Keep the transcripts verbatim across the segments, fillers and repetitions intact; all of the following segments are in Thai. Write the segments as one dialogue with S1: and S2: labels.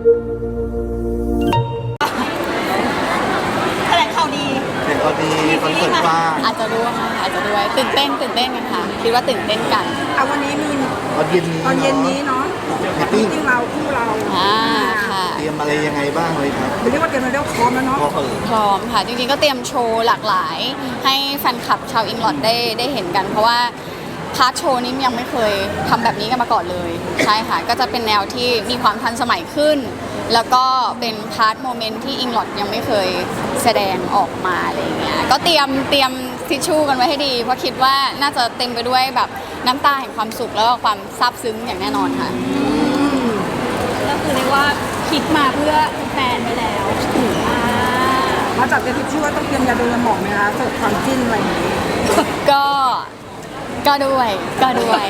S1: แถลงข่าวดี
S2: แถลงข่าวดีคอนเสิร์ตกว้าง
S3: อาจจะด้วยอาจจะด้วยตื่นเต้นตื่นเต้นกันค่ะคิดว่าตื่นเต้นกัน
S1: เอาวันนี้มี
S2: ตอนเย็นนี้
S1: ตอนเย็นนี้เนาะจริงๆเราคู่เรา
S3: อ่าค่ะ
S2: เตรียมอะไรยังไงบ้างเลยครับ
S1: เรียกว่าเตรียมมาเรียกพร้อมแล้วเนาะ
S3: พร้อมค่ะจริงๆก็เตรียมโชว์หลากหลายให้แฟนคลับชาวอิงลอดได้ได้เห็นกันเพราะว่าพาร์ทโชว์นี้ยังไม่เคยทำแบบนี้กันมาก่อนเลยใช่ค่ะก็จะเป็นแนวที่มีความทันสมัยขึ้นแล้วก็เป็นพาร์ทโมเมนต์ที่อิงลอดยังไม่เคยแสดงออกมาอะไรเงี้ยก็เตรียมเตรียมทิชชู่กันไว้ให้ดีเพราะคิดว่าน่าจะเต็มไปด้วยแบบน้ำตาแห่งความสุขแล้วก็ความซาบซึ้งอย่างแน่นอนค่ะ
S4: ก็คือเรียกว่าคิดมาเพื่อแฟนไปแล้ว
S1: มาจากเตรียมทิชชู่ว่าต้องเตรียมยาดมยาหมองไหมคะเสิร์ฟความจิ้นอะไรอย่างนี้
S3: ก็ก็ด้วยก็ด้วย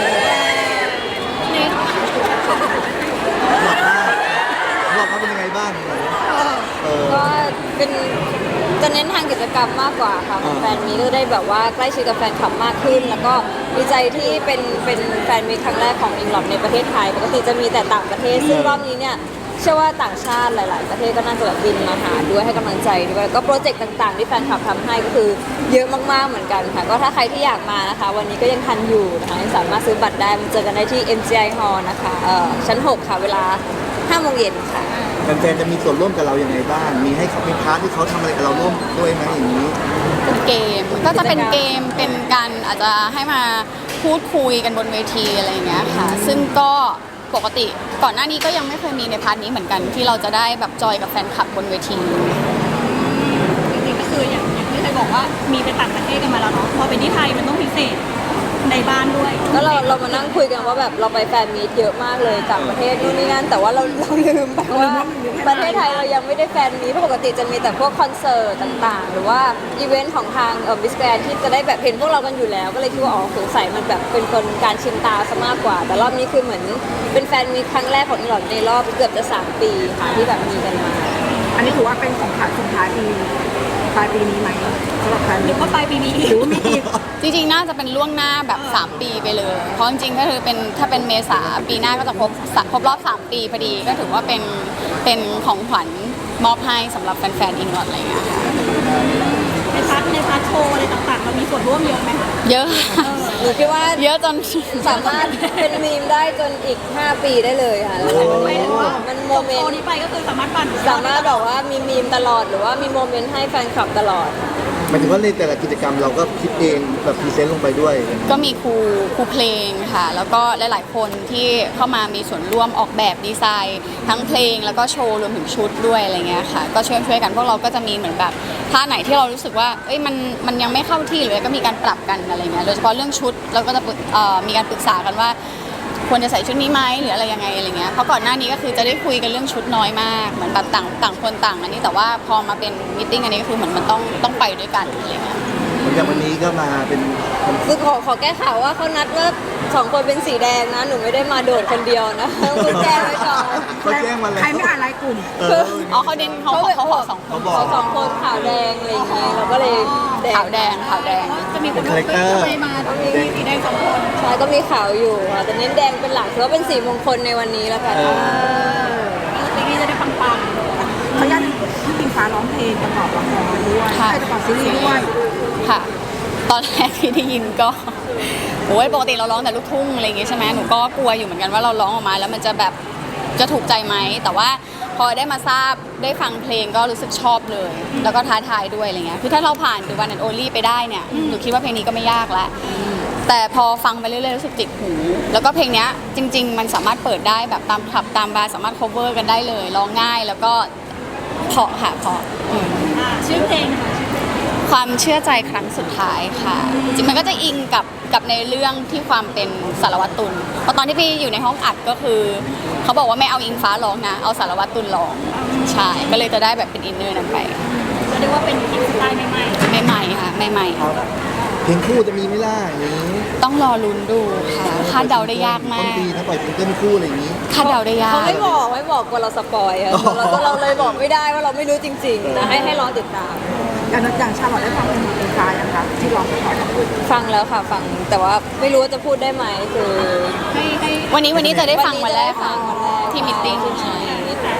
S2: บอกว่าเป็นยังไงบ้าง
S5: ก็เป็นจะเน้นทางกิจกรรมมากกว่าค่ะแฟนมีก็ได้แบบว่าใกล้ชิดกับแฟนคลับมากขึ้นแล้วก็ดีใจที่เป็นเป็นแฟนมีครั้งแรกของอิงลอดในประเทศไทยปกติจะมีแต่ต่างประเทศซึ่งรอบนี้เนี่ยเชื่อว่าต่างชาติหลายๆประเทศก็น่าจะแบบบินมาหาด้วยให้กำลังใจด้วยก็โปรเจกต์ต่างๆที่แฟนคลับทำให้ก็คือเยอะมากๆเหมือนกันค่ะก็ถ้าใครที่อยากมานะคะวันนี้ก็ยังทันอยู่นะคะสามารถซื้อบัตรได้มาเจอกันได้ที่ เอ็ม จี ไอ Hall นะคะเอ่อชั้นหกค่ะเวลาห้าโมงเย็นค่ะ
S2: แฟนๆจะมีส่วนร่วมกับเราอย่างไรบ้างมีให้เขามีพาร์ทที่เขาทำอะไรกับเราร่วมด้วยไหมอย่างนี้
S3: เป็นเกมก็จะเป็นเกมเป็นการอาจจะให้มาพูดคุยกันบนเวทีอะไรอย่างเงี้ยค่ะซึ่งก็ปกติก่อนหน้านี้ก็ยังไม่เคยมีในพาร์ทนี้เหมือนกันที่เราจะได้แบบจอยกับแฟนคลับบนเวที
S4: จริงๆก็คืออย่างอย่างที่เคยบอกว่ามีไปต่างประเทศกันมาแล้วเนาะพอไปที่ไทยมันต้องพิเศษในบ้านด้วย
S5: แล้วเราเรามานั่งคุยกันว่าแบบเราไปแฟนมีตเยอะมากเลยต่างประเทศนู่นนี่นั่นแต่ว่าเราเราลืมไปว่าประเทศไทยเรายังไม่ได้แฟนมีตปกติจะมีแต่พวกคอนเสิร์ตต่างๆหรือว่าอีเวนต์ของทางเอ่อมิสแกรนที่จะได้แบบเห็นพวกเรากันอยู่แล้วก็เลยคิดว่าอ๋อสงสัยมันแบบเป็นคนการชินตาซะมากกว่าแต่รอบนี้คือเหมือนเป็นแฟนมีตครั้งแรกของอิงลอดในรอบเกือบจะสามปีค่ะที่แบบมีกันมา
S1: อันนี้ถือว่าเป็นของขวัญส่งท้ายปีปลายปีนี้ไหมสำหรับแฟน
S4: หรือว่าปลายปีนี้
S1: หรือว่ามีอีก
S3: จริงๆน่าจะเป็นล่วงหน้าแบบสามปีไปเลยเพราะจริงๆก็คือเป็นถ้าเป็นเมษาปีหน้าก็จะครบครบรอบสามปีพอดีก็ถือว่าเป็นเป็นของขวัญมอบให้สำหรับแฟนๆอิงลอดอะไรเงี้ยค่ะ
S4: ในพาร์ทในพาร์ทโชว์อะไรต่างๆเรามีส่วนร่วมเยอะไหม
S3: เยอะ
S5: หนูคิดว่า
S3: เยอะจน
S5: สามารถเป็นมีมได้จนอีกห้าปีได้เลยค่ะมันโมเมนต์
S4: นี้ไปก็คือสามารถปั่น
S5: สามารถแบบว่ามีมีมตลอดหรือว่ามีโมเมนต์ให้แฟนคลับตลอด
S2: หมายถึงว่าในแต่ละกิจกรรมเราก็คิดเองแบบพรีเซนต์ลงไปด้วย
S3: ก็มีครูครูเพลงค่ะแล้วก็หลายๆคนที่เข้ามามีส่วนร่วมออกแบบดีไซน์ทั้งเพลงแล้วก็โชว์รวมถึงชุดด้วยอะไรเงี้ยค่ะก็ช่วยช่วยกันพวกเราก็จะมีเหมือนแบบท่าไหนที่เรารู้สึกว่าเอ้ยมันมันยังไม่เข้าที่หรือก็มีการปรับกันอะไรเงี้ยโดยเฉพาะเรื่องชุดเราก็จะเอ่อมีการปรึกษากันว่าควรจะใส่ชุดนี้ไหมหรืออะไรยังไงอะไรเงี้ยเพราะก่อนหน้านี้ก็คือจะได้คุยกันเรื่องชุดน้อยมากเหมือนแบบต่างต่างคนต่างอันนี้แต่ว่าพอมาเป็นมีตติ้งอันนี้ก็คือเหมือนมันต้องต้องไปด้วยกันอะไรเงี้ย
S2: อย่างวันนี้ก็มาเป็น
S5: คือขอขอแก้ข่าวว่าเขานัดว่าสองคนเป็นสีแดงนะหนูไม่ได้มาโดดคนเดียวนะคุณแจ้งไว้ก่อน
S2: เขาแจ้งมาแล้ว
S1: ใครไม่อ่านรายกลุ่ม
S3: อ๋อเขาเด่นเขาเขาบอกสองคน
S5: เขาสองคนขาวแดงอะไรอย่างเงี้ยเราก็เลย
S3: ขาวแดงขาวแดง
S4: จะมีคนทำไมมามีสีแดงสองคน
S5: ใช่ก็มีขาวอยู่แต่เน้นแดงเป็นหลักถือว่าเป็นสีมงคลในวันนี้แล้วกัน
S4: ปีนี้จะได้ปัง
S1: ๆเขาญาติพี่ปิงฟ้าร้องเพลงประกอบละครด้วยใช่ประกอบซีรีส์ด้วย
S3: ค่ะตอนแรกที่ได้ยินก็โอ้ยปกติเราร้องแต่ลูกทุ่งอะไรอย่างงี้ใช่ไหมหนูก็กลัวอยู่เหมือนกันว่าเราร้องออกมาแล้วมันจะแบบจะถูกใจไหมแต่ว่าพอได้มาทราบได้ฟังเพลงก็รู้สึกชอบเลยแล้วก็ท้าทายด้วยอะไรเงี้ยคือถ้าเราผ่านดูวันแอนโอลี่ไปได้เนี่ยหนูคิดว่าเพลงนี้ก็ไม่ยากแล้วแต่พอฟังไปเรื่อยๆรู้สึกติดหูแล้วก็เพลงนี้จริงๆมันสามารถเปิดได้แบบตามคลับตามบาร์สามารถ cover กันได้เลยร้องง่ายแล้วก็เพราะค่ะเพราะ
S4: ชื่อเพลงค่ะ
S3: ความเชื่อใจครั้งสุดท้ายค่ะจริงมันก็จะอิงกับกับในเรื่องที่ความเป็นสารวัตรตุลเพราะตอนที่พี่อยู่ในห้องอัดก็คือเขาบอกว่าไม่เอาอิงฟ้าร้องนะเอาสารวัตรตุลร้องใช่ก็เลยจะได้แบบเป็นอินเนอร์นั้นไป
S4: เรียกว่าเป็นอินสไตล์ใหม่
S3: ๆใหม่ๆค่ะใหม่
S2: ๆเพลงคู่จะมีไม่ล่ะอย่างนี้
S3: ต้องรอลุ้นดูค่ะคาดเดาได้ยากมาก
S2: ต้องปีถ้าปล่อยซิงเกิลคู่อะไรอย่างนี้
S3: คาดเดาได้ยาก
S5: เขาไม่บอกไม่บอกกลัวเราสปอยเราเราเลยบอกไม่ได้ว่าเราไม่รู้จริงๆนะให้ให้รอติดตาม
S1: อย่างอย่างชาลอตได้ฟังเพลงของอิงฟ้ายังคะที่ร้องไปก่อน
S5: ฟังแล้วค่ะฟังแต่ว่าไม่รู้ว่าจะพูดได้ไหมคือ
S3: วันนี้วันนี้จะได้ฟังมาแล้วค่ะที่มิทติ้ง
S4: แต่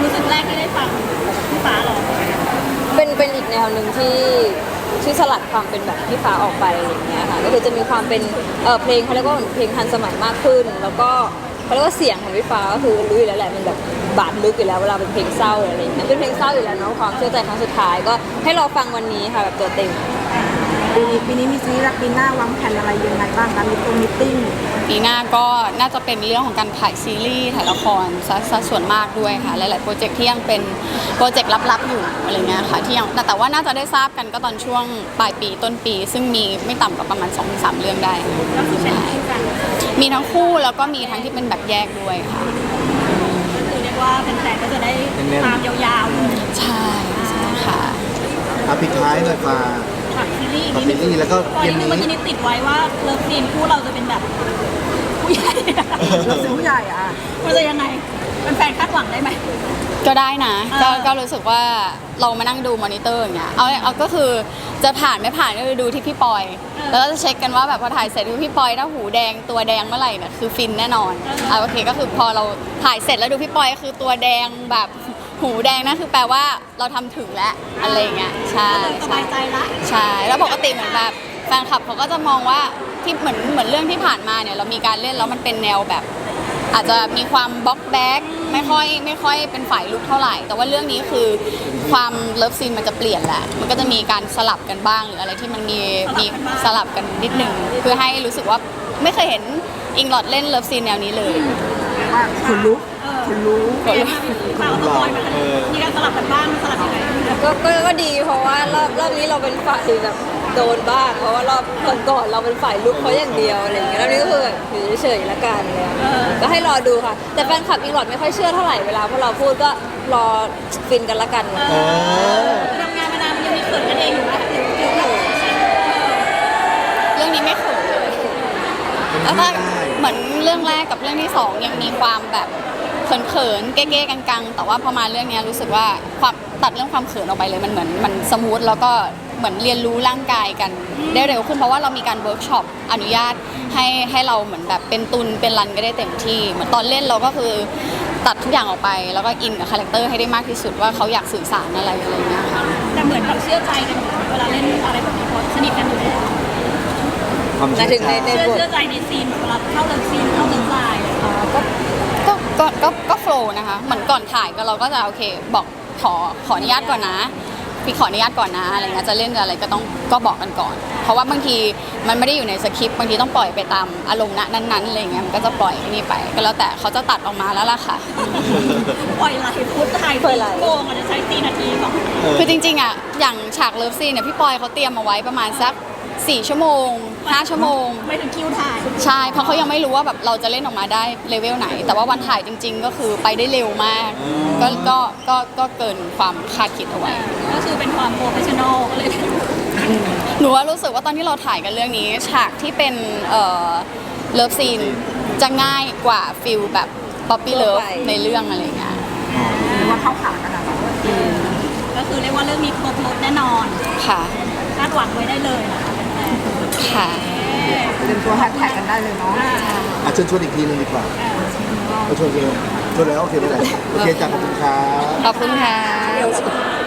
S4: รู้สึกแรกที่ได้ฟังพี่ฟ้าหรอ
S5: เป็นเป็นอีกแนวหนึ่งที่ที่สลัดความเป็นแบบพี่ฟ้าออกไปอะไรอย่างเงี้ยค่ะก็คือจะมีความเป็นเออเพลงเขาเรียกว่าเพลงทันสมัยมากขึ้น แล้วก็เขาเรียกว่าเสียงของพี่ฟ้าก็คือรู้อยู่แล้วแหละมันแบบบาดลึกอยู่แล้วเวลาเป็นเพลงเศร้าอะไรอย่างเงี้ยเป็นเพลงเศร้าอยู่แล้วเนาะความเชื่อใจครั้งสุดท้ายก็ให้รอฟังวันนี้ค่ะแบบตัวเต็ม
S1: ปีนี้ปีนี้มีซีรีส์รักปีหน้าวางแผนอะไรยังไงบ้างคะมีตรงมิทติ้ง
S3: ปีหน้าก็น่าจะเป็นเรื่องของการถ่ายซีรีส์ถ่ายละครซะซะส่วนมากด้วยค่ะหลายๆโปรเจกต์ที่ยังเป็นโปรเจกต์ลับๆอยู่อะไรเงี้ยค่ะที่ยังแต่แต่ว่าน่าจะได้ทราบกันก็ตอนช่วงปลายปีต้นปี ซึ่งมีไม่ต่ำกว่าประมาณ สองถึงสาม เรื่องได้
S4: ก็คือเป็นคู่กัน
S3: มีทั้งคู่แล้วก็มีทั้งที่เป็นแบบแยกด้วยค่ะ
S4: ก็คือเรียกว่าแฟนๆก็จะได้ตามยาวๆเลย
S3: ใช่ใช่ค่ะ
S2: อาปิดท้ายหน่อยฟ้า
S4: ฉากซีรีส์
S2: ฝากซีรีส์แล้วก็
S4: ตอน
S2: เย็น
S4: นี้
S2: นี้
S4: เมื่อกี้นี้ติดไว้ว่าเลิฟซีนคู่เราจะเป็นแบบผู้ใหญ่
S1: เราซื้อผู้ใหญ่อ่ะ
S4: มันจะยังไงเป็นแฟนคาดหวังได้ไหม
S3: ก็ได้นะก็
S4: เออ
S3: ก็รู้สึกว่าเรามานั่งดูมอนิเตอร์อย่างเงี้ยเอาเอาก็คือจะผ่านไม่ผ่านก็คือดูที่พี่ปอย แล้วก็จะเช็คกันว่าแบบพอถ่ายเสร็จดูพี่ปอยถ้าหูแดงตัวแดงเมื่อไหร่เนี่ยคือฟินแน่นอนอ่ะโอเคก็คือพอเราถ่ายเสร็จแล้วดูพี่ปอยก็คือตัวแดงแบบหูแดงนั่นคือแปลว่าเราทำถึงแล้วอะไรอย่างเงี้ยใช่
S4: ก็เลยส
S3: ใช่
S4: บายใจละ
S3: ใช่แล้วปกติเหมือนแบบแฟนคลับเขาก็จะมองว่าที่เหมือนเหมือนเรื่องที่ผ่านมาเนี่ยเรามีการเล่นแล้วมันเป็นแนวแบบ อาจจะมีความบล็อกแบ็กไม่ค่อยไม่ค่อยเป็นฝ่ายลุกเท่าไหร่ แต่ว่าเรื่องนี้คือความเลิฟซีนมันจะเปลี่ยนแหละมันก็จะมีการสลับกันบ้างหรืออะไรที่มันมีมีสลับกันนิดนึงเพื่อให้รู้สึกว่าไม่เคยเห็นอิงลอดเล่นเลิฟซีนแนวนี้เลย
S1: ว่าคนลุกคนรู้
S4: เปลี่ยนมาเป็นฟ้ากับปอยมามีการสลับกันบ้างสลับยังไง
S5: ก็ก็ก็ดีเพราะว่ารอบรอบนี้เราเป็นฝ่ายแบบโดนบ้างเพราะว่ารอบก่อนๆเราเป็นฝ่ายลุกเขาอย่างเดียวอะไรอย่างเงี้ยรอบนี้ก็คือแบบอยู่เฉยๆละกันเลยก็ให้รอดูค่ะ แต่แฟนคลับอิงหลอดไม่ค่อยเชื่อเท่าไหร่เวลาพวกเราพูดก็รอฟินกันละกัน
S2: เออ
S4: ทำงานมานานมันยังมีเขินกันเองอยู่ไหม
S3: เรื่องนี้ไม่เขินเลยแล้วก็เหมือนเรื่องแรกกับเรื่องที่สองยังมีความแบบเขินๆเก้ๆกังๆแต่ว่าพอมาเรื่องนี้รู้สึกว่าความตัดเรื่องความเขินออกไปเลยมันเหมือนมันสมูทแล้วก็เหมือนเรียนรู้ร่างกายกันได้เร็วขึ้นเพราะว่าเรามีการเวิร์กช็อปอนุญาตให้ให้เราเหมือนแบบเป็นตุนเป็นรันก็ได้เต็มที่เหมือนตอนเล่นเราก็คือตัดทุกอย่างออกไปแล้วก็อินกับคาแรคเตอร์ให้ได้มากที่สุดว่าเขาอยากสื่อสารอะไรอะไรอย่างเงี้ยค่ะ
S4: แต่เหมือนแบบเชื่อใจกันอยู่เวลาเล่นอะไรแบบนี้เพราะสนิทกันอยู่แล้ว
S2: ความ
S5: หมา
S2: เชื่
S5: ย
S2: อ
S5: ถึง
S2: ใจ
S5: ในใน
S4: เชื่อบ
S5: ท
S4: เชื่อใจในซีนแบบเวลาเข้าเลิฟซีนเข้าเลิฟไลน์
S3: ก็ก็ก็ก็ก็โฟล์นะคะเหมือนก่อนถ่ายก็เราก็จะโอเคบอกขอขออนุญาตก่อนนะพี่ขออนุญาตก่อนนะอะไรเงี้ยจะเล่นอะไรก็ต้องก็บอกกันก่อน เพราะว่าบางทีมันไม่ได้อยู่ในสคริปต์บางทีต้องปล่อยไปตามอารมณ์ณนั้นๆอะไรเงี้ยมันก็จะปล่อยนี่ไปก็แล้วแต่เขาจะตัดออกมาแล้วล่ะค่ะ
S4: ปล่อยไหลพุทธถ่ายสี่ชั่วโมงอาจจะใช้สี่นาทีก่อน
S3: คือจริงๆอ่ะอย่างฉากเลิฟซีนเนี่ยพี่ปอยเขาเตรียมเอาไว้ประมาณสักสี่ชั่วโมงห้าชั่วโมง
S4: ไม่ถึงคิวถ่าย
S3: ใช่เพราะเขายังไม่รู้ว่าแบบเราจะเล่นออกมาได้เลเวลไหน แต่ว่าวันถ่ายจริง ๆ ก็คือไปได้เร็วมากก็ก็ก็ก็เกินความคาดคิดเอาไว้
S4: ก็คือเป็นความโปรเฟชชั่นอลก็เลย
S3: หนูว่ารู้สึกว่าตอนที่เราถ่ายกันเรื่องนี้ ฉากที่เป็นเอ่อเลิฟซีนจะง่ายกว่าฟิลแบบป๊อปปี้เลิฟในเรื่องอะไรอย่างเงี้ย
S1: หรือว่าเข้าขากันอะ
S4: ก็คือเรียกว่าเรื่องนี้ครบรถแน่นอน
S3: ค่ะ
S4: คาดหวังไว้ได้เลยนะคะ
S3: ค่ะ
S1: เตรียมตัวแฮชแท็กกันได้เลยเนาะ
S2: อ่ะเชิญชวนอีกทีหนึงดีกว่าเอาชวนเร็วชวนแล้วโอเคไม่เป็นไรโอเคจ้ะขอบคุณครับ
S3: ขอบคุณค่ะ